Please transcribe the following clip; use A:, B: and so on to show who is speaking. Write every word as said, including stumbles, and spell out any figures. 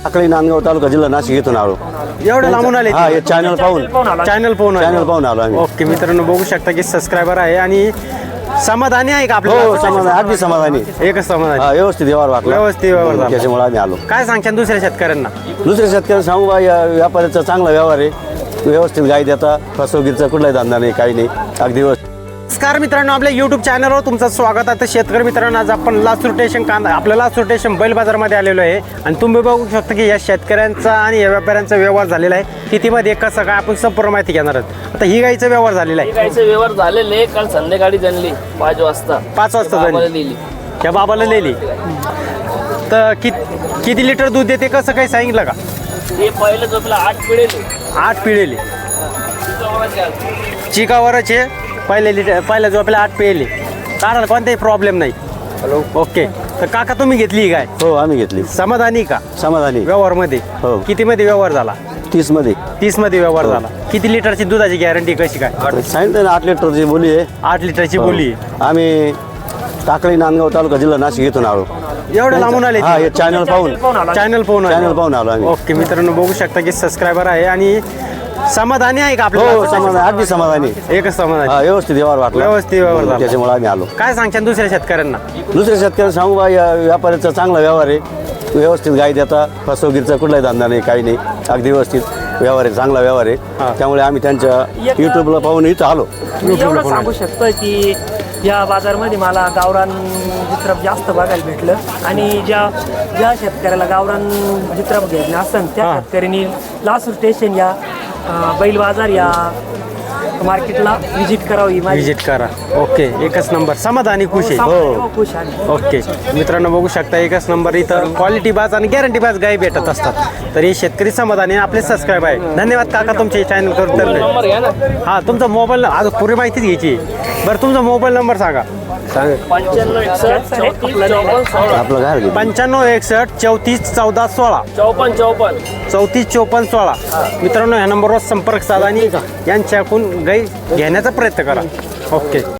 A: टाकळी नांदगाव तालुका जिल्हा नाशिक इथून आलो.
B: एवढं लांबून आले
A: हा, हे चॅनल पाहून
B: चॅनल पाहून
A: चॅनल पाहून आलो आम्ही.
B: ओके मित्रांनो, बघू शकता की सबस्क्रायबर आहे आणि समाधानी आहे का
A: हो,
B: आपल्याला?
A: समाधान, अगदी समाधानी.
B: एकच समाधानी.
A: हा, व्यवस्थित व्यवहार वाटला.
B: व्यवस्थित व्यवहार झाला.
A: त्याच्यामुळे आम्ही आलो.
B: काय सांगता दुसऱ्या शेतकऱ्यांना?
A: दुसऱ्या शेतकऱ्यांना सांगू बा, या व्यापाऱ्याचा चांगला व्यवहार आहे. व्यवस्थित गाय देता, फसवगीरचा कुठलाही धंदा नाही, काही नाही, अगदी व्यवस्थित.
B: नमस्कार मित्रांनो, आपल्या यूट्यूब चॅनलवर तुमचं स्वागत आहे. तर शेतकरी मित्रांनो, आज आपण लासूर स्टेशन कांदा आपल्या लासूर स्टेशन बैल बाजारमध्ये आलेलो आहे आणि तुम्ही बघू शकता की या शेतकऱ्यांचा आणि या व्यापाऱ्यांचा व्यवहार झालेला आहे. कितीमध्ये कसं काय आपण संपूर्ण माहिती घेणार आहोत. आता ही गाईचा व्यवहार झालेला आहे.
C: गाईचे व्यवहार झालेले काल संध्याकाळी जनली पाच वाजता
B: पाच वाजता
C: बाबाला
B: झाली.
C: दिली.
B: त्या बाबाला लिहिली तर कि किती लिटर दूध देते कसं काही सांगितलं का?
C: हे पहिलं झोपला आठ पिढेले
B: आठ पिळेली चिकावरचे पहिले लिटर पहिल्या जो आपल्याला आठ पिळेली चालेल, कोणताही प्रॉब्लेम नाही. Hello, okay. तर काका तुम्ही घेतली ही गाय,
A: हो, आम्ही घेतली.
B: समाधानी का
A: समाधानी.
B: व्यवहारमध्ये?
A: हो.
B: किती मध्ये व्यवहार झाला?
A: तीस मध्ये.
B: तीस मध्ये व्यवहार झाला. किती लिटरची दुधाची गॅरंटी कशी काय?
A: सांगितलं ना, आठ लिटरची बोली आहे.
B: आठ लिटरची बोली.
A: आम्ही टाकळी नांदगाव तालुका जिल्हा नाशिक इथून आलो.
B: एवढं लांबून आले?
A: हा, हे चॅनल पाहून
B: चॅनल पाहून
A: चॅनल पाहून आलो आम्ही.
B: ओके मित्रांनो, बघू शकता की सबस्क्रायबर आहे आणि समाधानी आहे का
A: हो,
B: आपल्याला?
A: समाधान, अगदी समाधानी.
B: एकच समाधानी.
A: हा, व्यवस्थित व्यवहार वाटला.
B: व्यवस्थित व्यवहार झाला.
A: त्याच्यामुळे आम्ही आलो.
B: काय सांगता दुसऱ्या शेतकऱ्यांना?
A: दुसऱ्या शेतकऱ्यांना सांगू बा, या व्यापाऱ्याचा चांगला व्यवहार आहे. व्यवस्थित गाय देता, फसवगीरचा कुठलाही धंदा नाही, काही नाही, अगदी व्यवस्थित व्यवहार आहे, चांगला व्यवहार आहे. त्यामुळे आम्ही त्यांच्या युट्यूबला पाहून इथं आलो.
D: मी एवढं सांगू शकतो की या बाजारमध्ये मला गावरान जित्रप जास्त बघायला भेटलं आणि ज्या ज्या शेतकऱ्याला गावरान जित्रप घ्यायचं असेल त्या शेतकऱ्यांनी लासूर स्टेशन या अं, बैल बाजार या मार्केटला व्हिजिट करावी.
B: विजिट करा. ओके, एकच नंबर. समाधानी खुश आहे.
D: हो, खुश आहे.
B: ओके मित्रांनो, बघू शकता एकच नंबर. इथं क्वालिटी बाज आणि गॅरंटी बाज गाय भेटत असतात. तर हे शेतकरी समाधानी आपले सबस्क्राईब आहे. धन्यवाद काका तुमचे चॅनल करून
C: नंबर घ्या ना.
B: हा, तुमचा मोबाईल आज पुरी माहितीच घ्यायची. बरं, तुमचा मोबाईल नंबर सांगा.
C: पंच्याण्णव एकसष्ट चौतीस चौपन्न सोळा
A: आपलं काय हरकत नाही.
B: पंच्याण्णव एकसष्ट चौतीस चौदा सोळा
C: चौपन्न चौपन्न
B: चौतीस चौपन्न सोळा. मित्रांनो, ह्या नंबरवर संपर्क साधा आणि यांच्याकडून गाई घेण्याचा प्रयत्न करा. ओके.